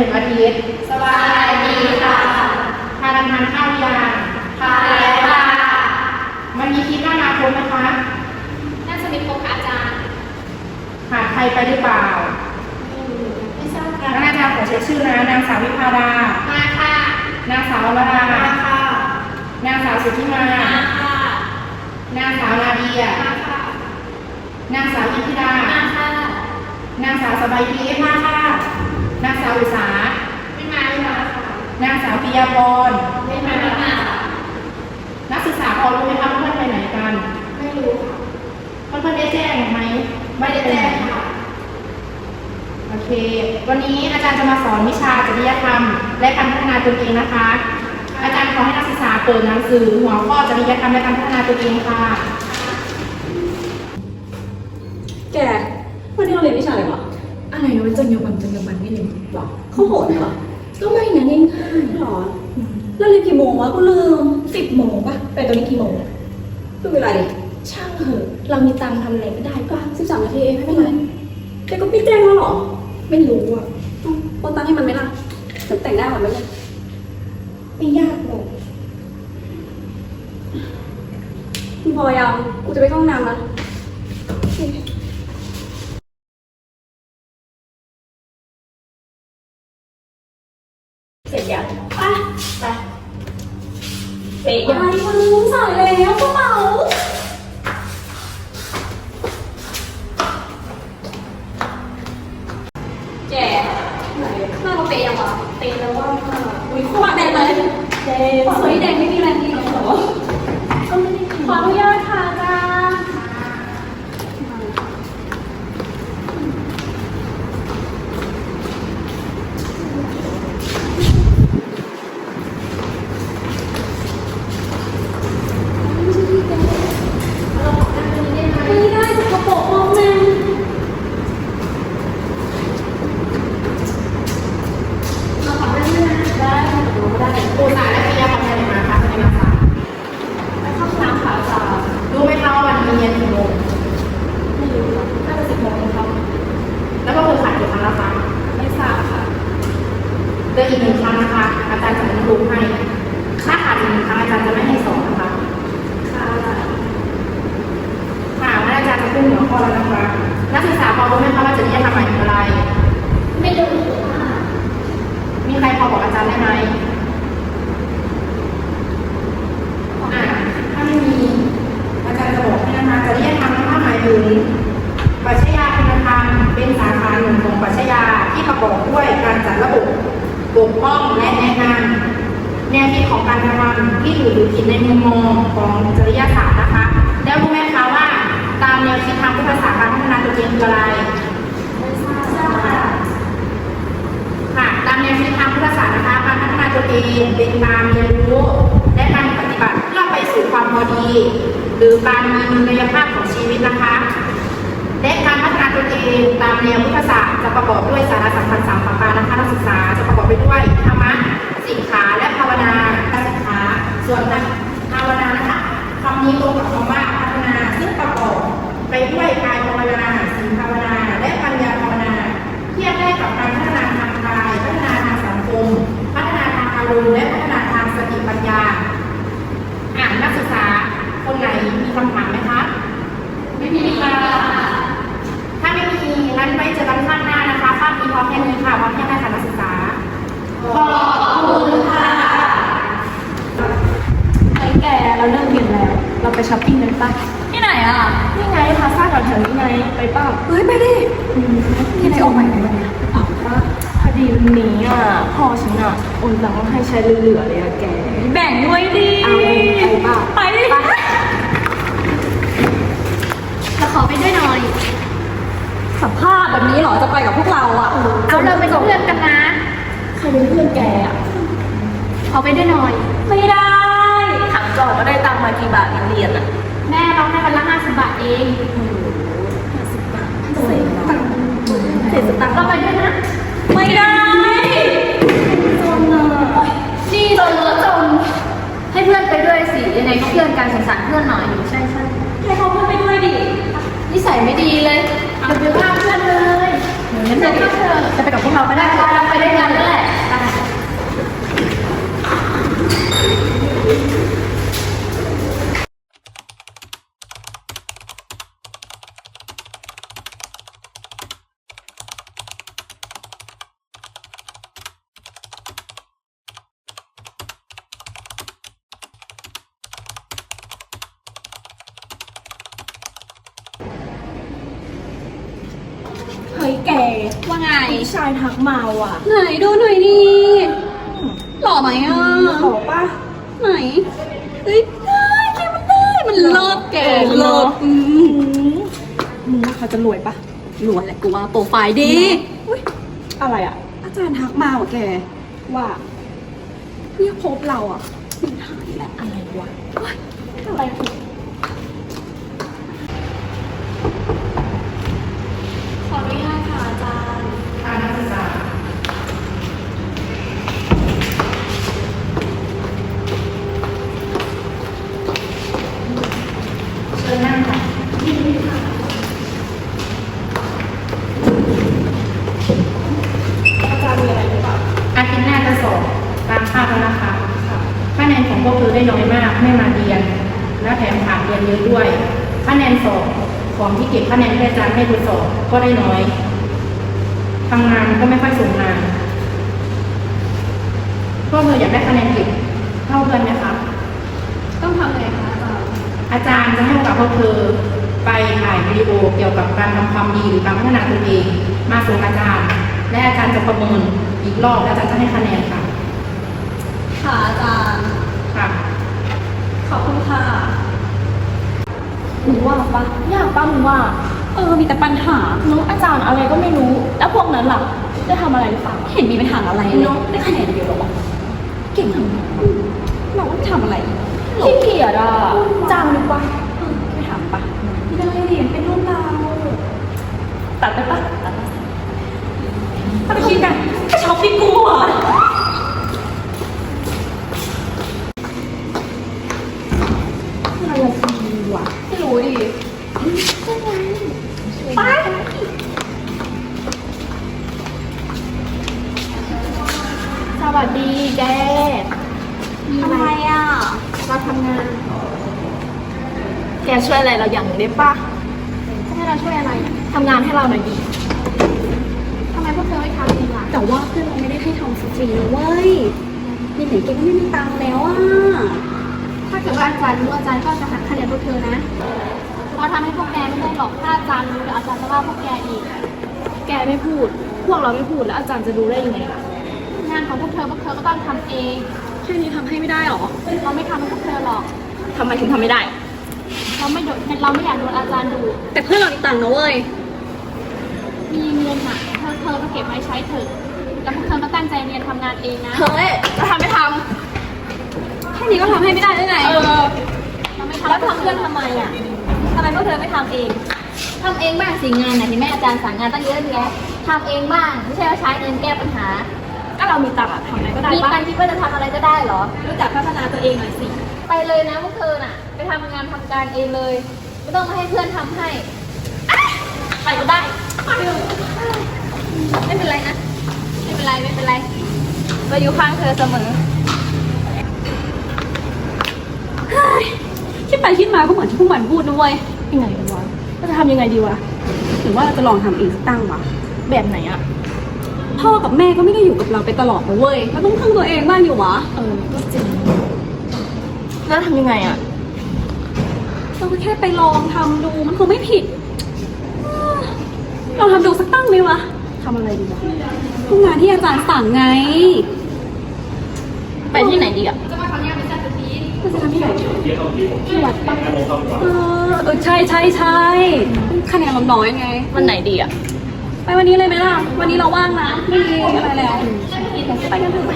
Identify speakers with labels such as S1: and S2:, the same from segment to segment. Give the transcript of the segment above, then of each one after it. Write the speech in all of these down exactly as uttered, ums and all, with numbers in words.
S1: งอาทิตย์
S2: สวัสดีค่ะ
S1: ทานทานข้าวยัง
S2: ทานแล้วค่ะ
S1: มันมีคิดว่าอนาคตไหมคะ
S2: น่าจะมีครบค่ะอาจารย์
S1: ขาดใครไปหรือเปล่า
S2: ไม่ทราบค่ะ
S1: อาจารย์ขอเช็คชื่อนะนางสาววิภาดา
S2: มาค่ะ
S1: นางสาววรา
S2: มาค่ะ
S1: นางสาวสุทธิมา
S2: มาค่ะ
S1: นางสาวนาเดีย
S2: มาค่ะ
S1: นางสาวอินทิรา
S2: มาค่ะ
S1: นางสาวสบายทิพย์มาค่ะนางสาวอุษา
S2: ไม่มาไม่มาค่ะ
S1: นางสาวปิยาพร
S2: ไม่มาไม่มา
S1: นักศึกษาพอรู้ไหมคะเพื่อนไปไหนกัน
S2: ไม่รู้
S1: ค่ะเพื่อนได้แจ้งไหม
S2: ไม่ได้แจ้งค่ะ
S1: โอเควันนี้อาจารย์จะมาสอนวิชาจริยธรรมและการพัฒนาตนเองนะคะอาจารย์ขอให้นักศึกษาเปิดหนังสือหัวข้อจริยธรรมและการพัฒนาตนเองค่ะ
S3: แกวันนี้เราเรียนวิชาอะไรวะ
S4: อะไรนะมันจรรยาบรรณจรรยาบรรณไม่เรียน
S3: หรอเขาโหดเหรอ
S4: ก็ไม่นะง่าย
S3: ๆหรอแล้วเรียนกี่โมงวะกูลืม
S4: สิบโมงป่ะไปตอนนี้กี่โมง
S3: ดูเวลาดิ
S4: ช่างเถอะเรามีตังค์ทำอะไรก็ได้ป่ะสิบสามนาทีเองไม่เป็นไร
S3: แกก็พี่แจ้งแล้วหรอ
S4: ไม่รู้อ่ะ
S3: โอนตังค์ให้มันไหมล่ะจะแต่งได้หรือไม่เนี่ย
S4: ไม่ยากหรอก
S3: คุณพอยังกูจะไปเข้าห้องน้ำนะ
S4: เสร็จยัง
S3: ไป
S4: ไปเป๊ะยัง
S3: ไปมึงใส่แล้วกระเป๋าแกไหนหน้าเราเป๊ะยังวะ
S4: เป๊ะแล้วว่า
S3: อุ้ยขวาแดงเลย
S4: แดง
S3: ขวาแดงไม่มีแรงดีหรอ
S4: ก็ไม่ได้
S3: ขออนุญาตค่ะจ้าไม่ได้สกปรกมากแม่
S1: เราขอได้ไหมนะได้เราก็ได้ครูสายและปิยาพรไปไหนมาคะไปไหนมาคะ
S3: ไปเข้าห้องน้ำค่ะจ้า
S1: รู้ไหมคะวันนี้เรียนกี่โมง
S3: ไม่รู้ค่ะน่าจะสิบโมงเองครับ
S1: แล้วก็คือขาดกี่ครั้งแล้วคะ
S3: ไม่ทราบค่ะ
S1: เดือนอีกหนึ่งครั้งนะคะอาจารย์จะไม่รู้ให้ถ้าขาดอีกหนึ่งครั้งอาจารย์จะไม่ให้สอนนะคะ
S3: ค่ะ
S1: ค่ะงั้นอาจารย์จะขึ้นหัวข้อแล้วนะคะนักศึกษาพอรู้ไหมคะว่าจริยธรรมหมายถึงอะไร
S2: ไม่รู้ค่ะ
S1: มีใครพอบอกอาจารย์ได้ไหมอ่าถ้าไม่มีอาจารย์จะบอกให้นะคะจริยธรรมนะคะหมายถึงปรัชญาคุณธรรมเป็นสาขาหนึ่งของปรัชญาที่ประกอบด้วยการจัดระบบปกป้องและแนะนำแนวคิดของการกระทำที่ถูกหรือผิดในมุมมองของจริยศาสตร์นะคะแล้วรู้ไหมคะว่าตามแนวคิดทางพุทธศาสตร์การพัฒนาตัวเองคืออะไร
S2: ไม่ทราบค่ะ
S1: ค่ะตามแนวคิดทางพุทธศาสตร์นะคะการพัฒนาตัวเองเป็นการเรียนรู้และการปฏิบัติเพื่อไปสู่ความพอดีหรือการมีมุลภาพของชีวิตนะคะและการพัฒนาตัวเองตามแนวพุทธศาสตร์จะประกอบด้วยสาระสำคัญสามประการนะคะนักศึกษาจะประกอบไปด้วยธรรมะสิกขาและภาวนาการศึกษาส่วนภาวนานะคะคำนี้ตรงกับคำว่าพัฒนาซึ่งประกอบไปด้วยกายภาวนาศีลภาวนาและปัญญาภาวนาเทียบได้กับการพัฒนาทางกายพัฒนาทางสังคมพัฒนาทางอารมณ์และพัฒนาทางสติปัญญาอ่านนักศึกษาคนไหนมีคำถามไหมคะ
S2: ไม่มีค่ะ
S1: ถ้าไม่มีงั้นไว้เจอกันข้างหน้านะคะภาพนี้พร้อมแค่นี้ค่ะพร้อมแค่ไหนคะนักศึกษา
S2: ขอบคุณค่ะ
S4: ไอ้แกเราเลิกเรียนแล้วเราไปช้อปปิ้งกันป่ะ
S3: ที่ไหนอ่ะ
S4: นี่ไงพาซ่าแถวๆนี้ไงไปป่ะ
S3: เฮ้ยไปดิ
S4: ที่ไหนออกใหม่ไหมวันนี้ออกป่ะพอดีวันนี้อ่ะพ่อฉันอ่ะโอนตังค์ให้ใช้เหลือๆเลยอะแก
S3: แบ่งด้วยดิ
S4: เอาไปป่ะ
S3: ไปดิ
S2: จะขอไปด้วยหน่อย
S3: สัมภาษณ์แบบนี้เหรอจะไปกับพวกเราอ่ะ
S2: เอาเราเป็นเพื่อนกันนะ
S4: ใครเป็นเพื่อนแกอ่ะ
S2: ขอไปด้วยหน่อย
S3: ไม่ได้
S4: ถามก่อนว่าได้ตังค์มากี่บาทเรียนอ่ะ
S2: แม่เราให้วันละห้าสิบบาทเอง
S4: ห้าสิบบาทเสร็จตังค์เสร็จตังค์
S2: เราไปด้วยนะ
S3: ไม่ได้
S4: จนอ่ะ
S2: นี่จนเหรอจนให้เพื่อนไปด้วยสิยังไงก็เพื่อนกันสงสารเพื่อนหน่อยใช่ใช่
S3: ให้เขาเพื่อนไปด้วยดิ
S2: นิสัยไม่ดีเลยเดี๋ยวไปว่าเพื่อนเลย
S4: เฮ้
S1: งั้นเธอจะไปกับพวกเราก็ได้
S2: ไปด้วยกันนั่นแหละ
S4: เฮ้ยแก
S3: ว่าไง
S4: ผู้ชายทักมาว่ะ
S3: ไหนดูหน่อยดิหล่อไหมอ่ะ
S4: ขอป่ะ
S3: ไหนเฮ้ยได้แกมันได้มันเลิศแกเลิศอืม
S4: มึงว่าเขาจะรวยป่ะ
S3: รวยแหละกูว่าโปรไฟล์ดี
S4: อุ้ยอะไรอ่ะ
S3: อาจารย์ทักมาว่ะแก
S4: ว่าเรียกพบเราอ่ะ
S3: มันหายแหละ
S4: อะไรวะเฮ้ยอะไรวะ
S2: ขออนุญาตค่ะอาจารย์
S1: ค่ะนักศึกษาเชิญนั่งค่ะ
S4: อาจารย์มีอะไรหรือเปล่า
S1: อาทิตย์หน้าจะสอบตามคาดแล้วนะคะคะแนนของพวกเธอได้น้อยมากไม่มาเรียน และแถมขาดเรียนเยอะด้วยคะแนนสอบของที่เก็บคะแนนที่อาจารย์ให้ทดสอบก็ได้น้อยทำงานก็ไม่ค่อยส่งงานพวกเธออยากได้คะแนนเก็บเท่าเพื่อนไหมคะ
S2: ต้องทำอะไรคะอาจารย์
S1: อาจารย์จะให้โอกาสพวกเธอไปถ่ายวิดีโอเกี่ยวกับการทำความดีหรือการพัฒนาตนเอง มาส่งอาจารย์ และอาจารย์จะประเมินอีกรอบและอาจารย์จะให้คะแนนค่ะ
S3: ค่ะอาจารย์
S1: ค่ะ
S3: ขอบคุณค่ะ
S4: มึงว่าปะยากปะมึงว่า
S3: เออมีแต่ปัญหา
S4: น้องอาจารย์อะไรก็ไม่รู้ แล้วพวกนั้นล่ะ ได้ทำอะไรหรือเปล่า
S3: เห็นมีปัญหาอะไรเลยได้คะแนนเดียวหรอวะเก่งทำไมเราไม่ทำอะไร
S4: ขี้เกียจอ่ะจ้างดีกว่า
S3: ไม่ถามปะไม่ได้เรียนเป็นรุ่นเรา
S4: ตัดไปปะตัดไปถ้าไปคิดกัน
S3: ไปช็อปปิ้งกูอ่ะ
S4: อะไรดีวะ
S3: ไม่รู้ดิ
S4: ไปสวัสดีแก
S3: ทำไมอ่ะ
S4: เราทำงาน แกช่วยอะไรเราอย่างหนึ่งได้ปะ
S2: จะให้เราช่วยอะไร
S4: ทำงานให้เราหน่อยดิ
S2: ทำไมพวกเธอไม่ทำเองล่ะ
S3: แต่ว่าเพื่อนเราไม่ได้ให้ทำฟรีๆนะเว้ยนี่ไหนแกก็ไม่มีตังค์แล้วอ่ะ
S2: ถ้าเกิดว่าอาจารย์รู้อาจารย์ก็จะหักคะแนนพวกเธอนะเพราะทำให้พวกแกไม่ได้หรอกถ้าอาจารย์รู้เดี๋ยวอาจารย์จะว่าพวกแกอีก
S4: แกไม่พูด พวกเราไม่พูดแล้วอาจารย์จะรู้ได้ยังไงล่ะ
S2: งานของพวกเธอพวกเธอก็ต้องทำเอง
S3: แค่นี้ทำให้ไม่ได้หรอ
S2: เราไม่ทำให้พวกเธอหรอก
S4: ทำไมถึงทำไม่ได้
S2: เราไม่โดนเราไม่อยากโดนอาจารย์ดู
S3: แต่เพื่อนเรามีตังค์นะเว้ย
S2: มีเงินอ่ะเธอเธอก็เก็บไว้ใช้เถอะแล้วพวกเธอก็ตั้งใจเรียนทำงานเองนะ
S4: เฮ้ยจะทำไม่ท
S3: แค่นี้ก็ทำให้ไม่ได้ได้ไง
S4: ำเออ
S2: เราไม่ทำ
S4: แล้วทำเพื่อนทำไมอ่ะทำไมพวกเธอไม่ทำเอง
S5: ทำเองบ้างสิงานนะที่แม่อาจารย์สั่งงานตั้งเยอะแยะทำเองบ้างไม่ใช่ว่าใช้เงินแก้ปัญหา
S4: ก็เรามีตังค์อะทำอะไรก็ได้
S5: มี
S4: ปะ
S5: การคิดว่าจะทำอะไรก็ได้เหรอ
S4: รู้จักพัฒนาตัวเองหน่อยสิ
S5: ไปเลยนะพวกเธอน่ะ ไปทำงานทำการเองเลย ไม่ต้องมาให้เพื่อนทำให้
S4: ไปก็ได้
S5: ไม่เป็นไรนะ ไม่เป็นไรไม่เป็นไร
S4: เราอยู่ข้างเธอเสมอ
S3: คิดไปคิดมาก็เหมือนที่พวกมันพูดนะเว้ย
S4: ยังไงวะเราจะทำยังไงดีวะ
S3: หรือว่าเราจะลองทำเองสักตั้งวะ
S4: แบบไหนอะ
S3: พ่อกับแม่ก็ไม่ได้อยู่กับเราไปตลอดนะเว้ยเราต้องพึ่งตัวเองบ้างอยู่วะ
S4: เออก็จริงแล้วทำยังไงอะ
S3: เราก็แค่ไปลองทำดูมันคงไม่ผิดลองทำดูสักตั้งไหมวะ
S4: ทำอะไรดีวะ
S3: พวกงานที่อาจารย์สั่งไง
S4: ไปที่ไหนดีอะ
S2: จะมาทำงานเป็นจัดตุพีน
S3: เราจะทำที่ไหน
S4: ที่วัดปะ
S3: เออเออใช่ใช่ใช่คะแนนเราน้อยไง
S4: วันไหนดีอะ
S3: ไปวันนี้เลยไหมล่ะ วันนี้เราว่างนะไม่มีอะไรแล้วไปกันเถอะ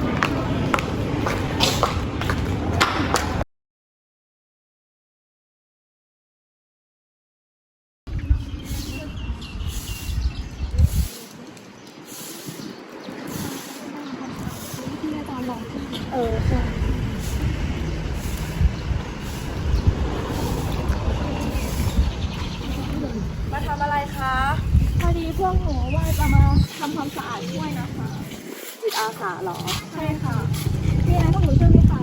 S4: เออใช่มาทำอะไรคะ
S2: พอดีพวกหนูว่าจะมาทำความสะอาดช่วยนะคะ
S4: จิตอาสาเหรอ
S2: ใช่ค่ะมีอะไรพวกหนูช่วยไหมคะ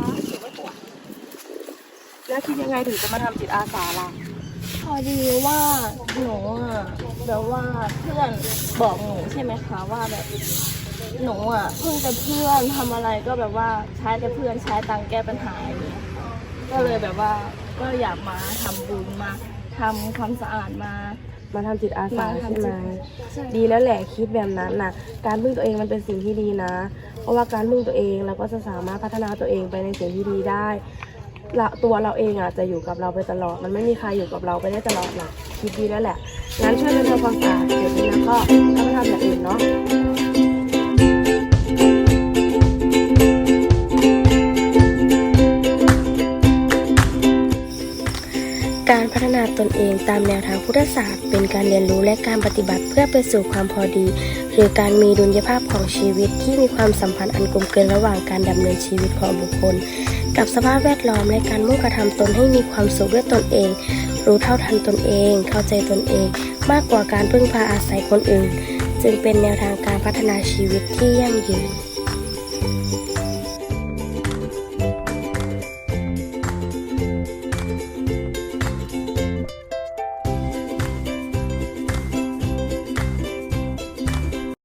S4: แล้วคิดยังไงถึงจะมาทำจิตอาสาล่ะ
S2: พอดีว่าหนูอ่ะแบบว่าเพื่อนบอกหนูใช่ไหมคะว่าแบบหนูอ่ะเพิ่งจะเพื่อนทำอะไรก็แบบว่าใช้แต่เพื่อนใช้ตังค์แก้ปัญหาอย่างเงี้ยก็เลยแบบว่าก็อยากมาทำบุญมาทำความสะอาดมา
S4: มาทำจิตอาสา
S2: มา
S4: ใช่
S2: ทำจิ
S4: ไหม
S2: ต ใช่
S4: ดีแล้วแหละคิดแบบนั้นน่ะ การพึ่งตัวเองมันเป็นสิ่งที่ดีนะ เพราะว่าการพึ่งตัวเองเราก็จะสามารถพัฒนาตัวเองไปในสิ่งที่ดีได้ละตัวเราเองอ่ะจะอยู่กับเราไปตลอด มันไม่มีใครอยู่กับเราไปได้ตลอดหรอกคิดดีแล้วแหละ งั้นช่วยกันทำความสะอาดเดี๋ยวนี้นะก็ก็ไปทำอย่างอื่นเนาะ
S6: การพัฒนาตนเองตามแนวทางพุทธศาสตร์เป็นการเรียนรู้และการปฏิบัติเพื่อไปสู่ความพอดี หรือการมีดุลยภาพของชีวิตที่มีความสัมพันธ์อันกลมเกลียวระหว่างการดำเนินชีวิตของบุคคล กับสภาพแวดล้อมและการมุ่งกระทำตนให้มีความสุขด้วยตนเอง รู้เท่าทันตนเอง เข้าใจตนเอง มากกว่าการพึ่งพาอาศัยคนอื่น จึงเป็นแนวทางการพัฒนาชีวิตที่ยั่งยืน